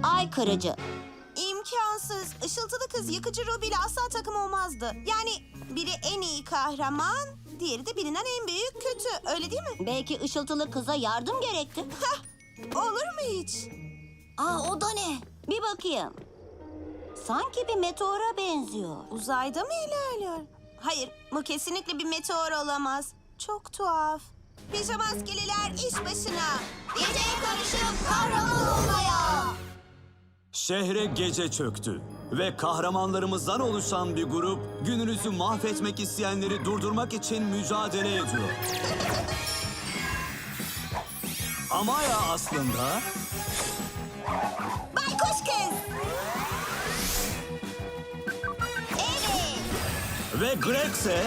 Ay kırıcı. İmkansız. Işıltılı kız yıkıcı Ruby ile asla takım olmazdı. Yani biri en iyi kahraman, diğeri de bilinen en büyük kötü. Öyle değil mi? Belki ışıltılı kıza yardım gerekti. Hah, olur mu hiç? O da ne? Bir bakayım. Sanki bir meteora benziyor. Uzayda mı ilerliyor? Hayır, bu kesinlikle bir meteor olamaz. Çok tuhaf. Pijama askeriler iş başına. Geceye karışıp kahraman olmaya. Şehre gece çöktü ve kahramanlarımızdan oluşan bir grup gününüzü mahvetmek isteyenleri durdurmak için mücadele ediyor. Amaya aslında Baykuş kız. Evet. ve Greg ise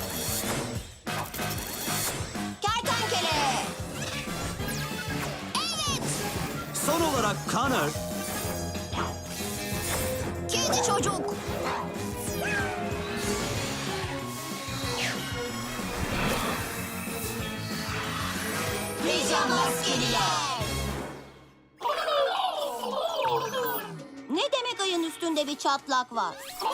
Kertenkele. Evet. son olarak Connor Kedi çocuk. Pijama askeriler. Ne demek ayın üstünde bir çatlak var?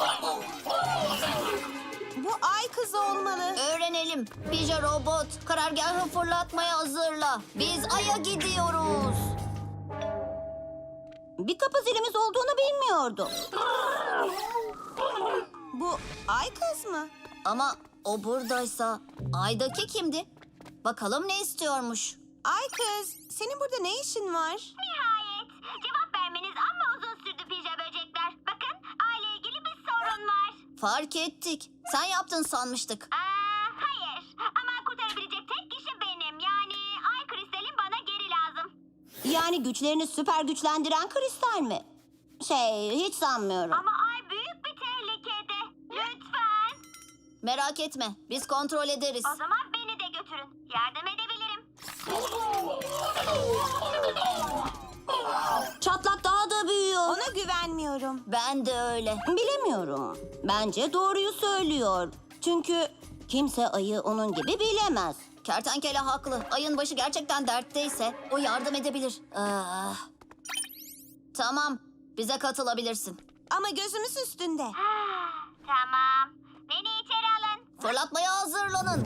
Bu ay kızı olmalı. Öğrenelim. Pija robot, karargahı fırlatmaya hazırla. Biz Ay'a gidiyoruz. Bir kapı zilimiz olduğunu bilmiyordum. Bu ay kız mı? Ama o buradaysa Ay'daki kimdi? Bakalım ne istiyormuş. Ay kız, senin burada ne işin var? Nihayet. Cevap vermeniz amma uzun sürdü pija böcekler. Bakın, aile ilgili bir sorun var. Fark ettik. Sen yaptın sanmıştık. Hayır. Ama kurtarabilecek tek kişi benim. Yani ay kristalin bana geri lazım. Yani güçlerini süper güçlendiren kristal mi? Hiç sanmıyorum. Ama ay büyük bir tehlikede. Lütfen. Merak etme. Biz kontrol ederiz. O zaman beni de götürün. Yardım edebilirim. Çatlak daha da büyüyor. Ona güvenmiyorum. Ben de öyle. Bilemiyorum. Bence doğruyu söylüyor. Çünkü kimse ayı onun gibi bilemez. Kertenkele haklı. Ay'ın başı gerçekten dertteyse o yardım edebilir. Tamam. Bize katılabilirsin. Ama gözümüz üstünde. Tamam. Beni içeri alın. Fırlatmaya hazırlanın.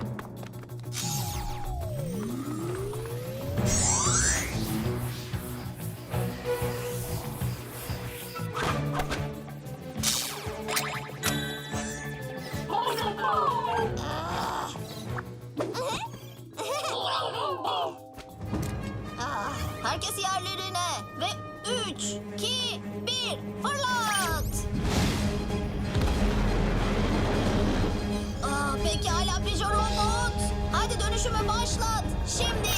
Herkes yerlerine ve 3, 2, 1 fırlat! Pekala Pija robot. Hadi dönüşümü başlat. Şimdi.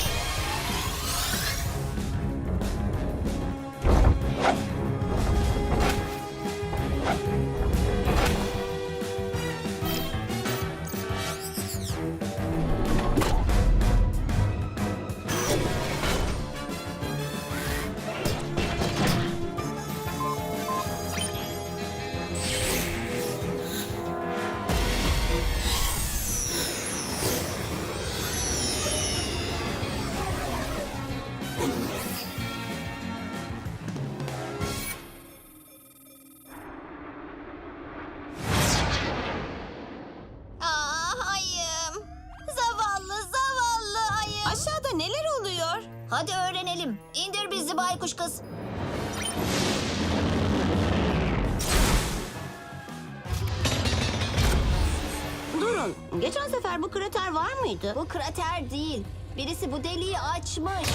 Ayım. Zavallı ayım. Aşağıda neler oluyor? Hadi öğrenelim. İndir bizi baykuş kız. Durun. Geçen sefer bu krater var mıydı? Bu krater değil. Birisi bu deliği açmış.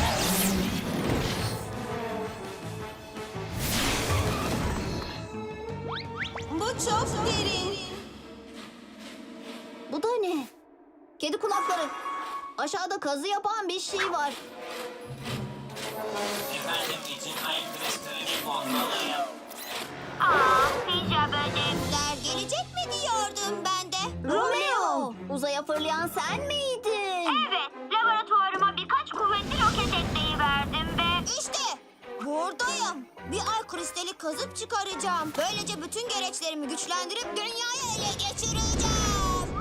Bu çok derin. Bu da ne? Kedi kulakları. Aşağıda kazı yapan bir şey var. Efendim için ayın kristalini bulmalıyım. Pija böcekler. Gelecek mi diyordum ben de. Romeo! Uzaya fırlayan sen miydin? Evet. Laboratuvarıma birkaç kuvvetli roket ekleyi verdim ve... İşte buradayım. Bir ay kristali kazıp çıkaracağım. Böylece bütün gereçlerimi güçlendirip dünyayı ele geçireceğim.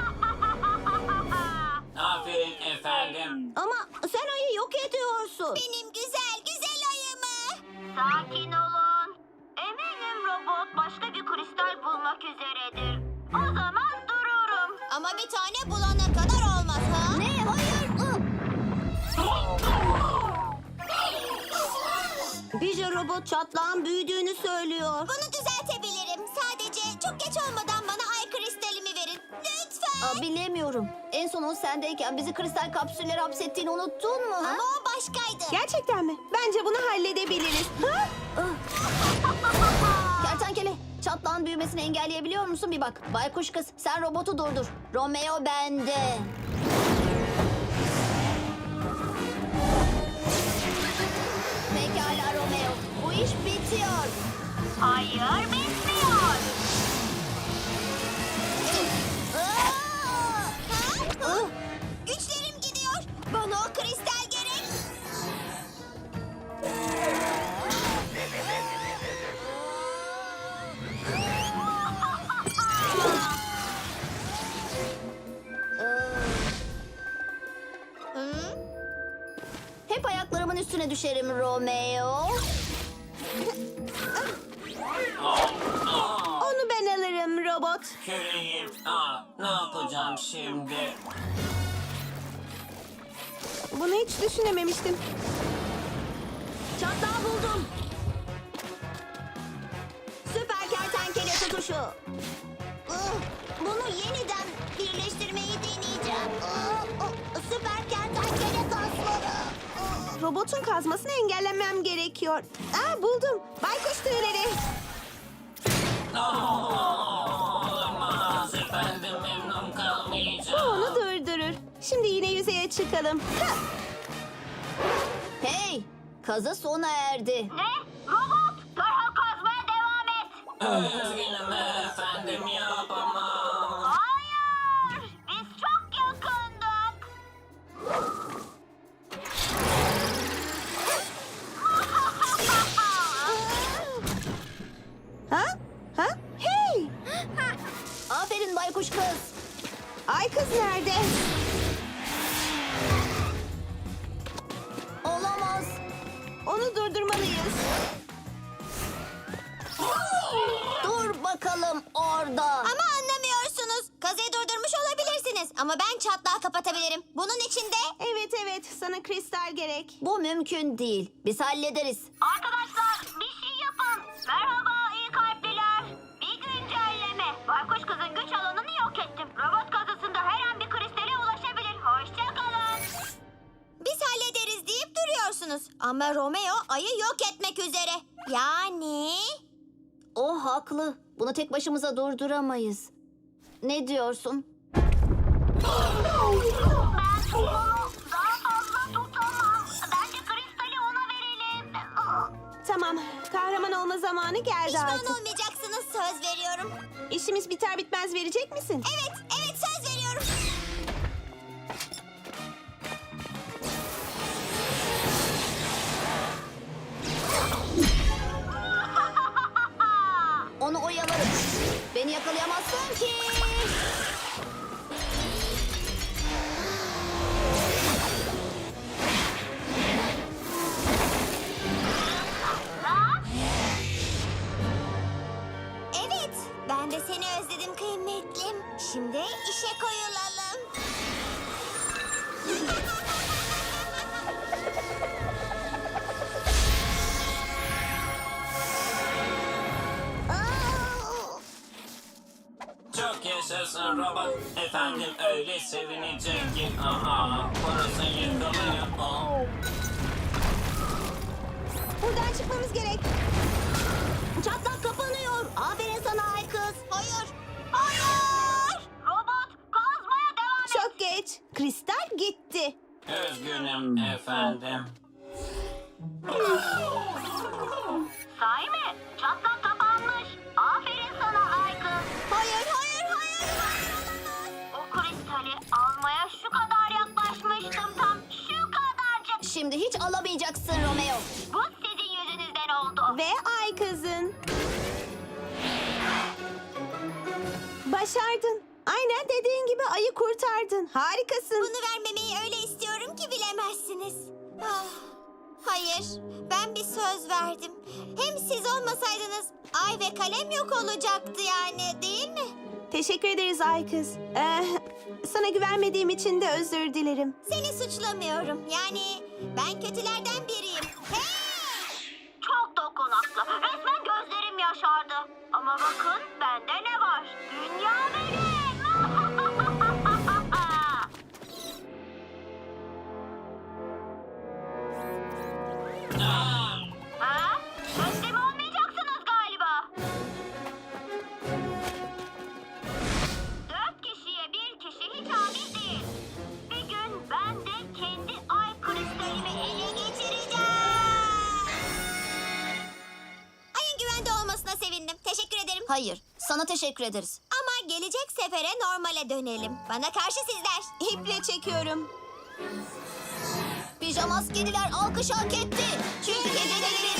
Aferin efendim. Ama sen ayı yok ediyorsun. Benim güzel güzel ayımı. Sakin olun. üzeredir. O zaman dururum. Ama bir tane bulana kadar olmaz ha? Ne? Hayır. Pija robot çatlağın büyüdüğünü söylüyor. Bunu düzeltebilirim. Sadece çok geç olmadan bana ay kristalimi verin. Lütfen. Bilemiyorum. En son o sendeyken bizi kristal kapsüllere hapsettiğini unuttun mu? Ha? Ama o başkaydı. Gerçekten mi? Bence bunu halledebiliriz. Ha? Kertenkele, çatlağın büyümesini engelleyebiliyor musun? Bir bak. Baykuş kız, sen robotu durdur. Romeo bende. Pekala Romeo, bu iş bitiyor. Hayır, bitmiyor. Güçlerim gidiyor. Bana o kristal gerek. Hep ayaklarımın üstüne düşerim Romeo. Onu ben alırım robot. Küreğim. Ne yapacağım şimdi? Bunu hiç düşünememiştim. Çatlağı buldum. Süper kertenkele tutuşu. Bunu yeniden birleştirmeyi deneyeceğim. Süper kertenkele kasları. Robotun kazmasını engellemem gerekiyor. Buldum. Baykuş tüyleri. Olmaz efendim, memnun Bu kalmayacağım. onu durdurur. Şimdi yine yüzeye çıkalım. Ha! Hey, kazı sona erdi. Ne? Robot, derhal kazmaya devam et. Üzgünüm efendim, yapamam. Hayır, biz çok yakındık. Ha? Ha? Hey! Aferin baykuş kız. Ay kız nerede? Olamaz. Onu durdurmalıyız. Dur bakalım orada. Ama anlamıyorsunuz. Kazıyı durdurmuş olabilirsiniz. Ama ben çatlağı kapatabilirim. Bunun için de... Evet, sana kristal gerek. Bu mümkün değil. Biz hallederiz. Arkadaşlar, bir şey yapın. Merhaba iyi kalpliler. Bir güncelleme. Baykuş kızın güç alanını yok ettim. Robot kazısında her an bir kristale ulaşabilir. Hoşça kalın. Biz hallederiz deyip duruyorsunuz. Ama Romeo ayı yok etmek üzere. Yani... O haklı. Bunu tek başımıza durduramayız. Ne diyorsun? Ben onu daha fazla tutamam. Bence kristali ona verelim. Tamam, kahraman olma zamanı geldi Pişman artık. olmayacaksınız, söz veriyorum. İşimiz biter bitmez verecek misin? Evet söz veriyorum. Onu oyalarım. Beni yakalayamazsın ki. Evet, ben de seni özledim kıymetlim. Şimdi işe koyulalım. Çok yaşasın robot. Efendim öyle sevinecek ki. Burası yıkılıyor. Buradan çıkmamız gerek. Çatlak kapanıyor. Aferin sana ay kız. Hayır. Robot, kazmaya devam et. Çok geç. Kristal gitti. Üzgünüm efendim. Sahi mi? Çatlak kapanmış. Aferin sana ay kız. Hayır. O kristali almaya şu kadar yaklaşmıştım tam. Şu kadarcık. Şimdi hiç alamayacaksın Romeo. Bu sizin yüzünüzden oldu. Ve ay kızın. Başardın. Aynen dediğin gibi ayı kurtardın. Harikasın. Bunu vermemeyi öyle istiyorum ki bilemezsiniz. Ah. Hayır, ben bir söz verdim. Hem siz olmasaydınız ay ve kalem yok olacaktı yani, değil mi? Teşekkür ederiz ay kız. Sana güvenmediğim için de özür dilerim. Seni suçlamıyorum. Yani ben kötülerden biriyim. Hey! Çok dokunaklı. Resmen gözlerim yaşardı. Ama bakın bende ne var? Dünya benim. Ha? Teslim olmayacaksınız galiba. 4 kişiye bir kişi hiç adil değil. Bir gün ben de kendi ay kristalimi ele geçireceğim. Ayın güvende olmasına sevindim. Teşekkür ederim. Hayır, sana teşekkür ederiz. Ama gelecek sefere normale dönelim. Bana karşı sizler. İple çekiyorum. Pijama askeriler alkış hak etti. Çünkü geceleri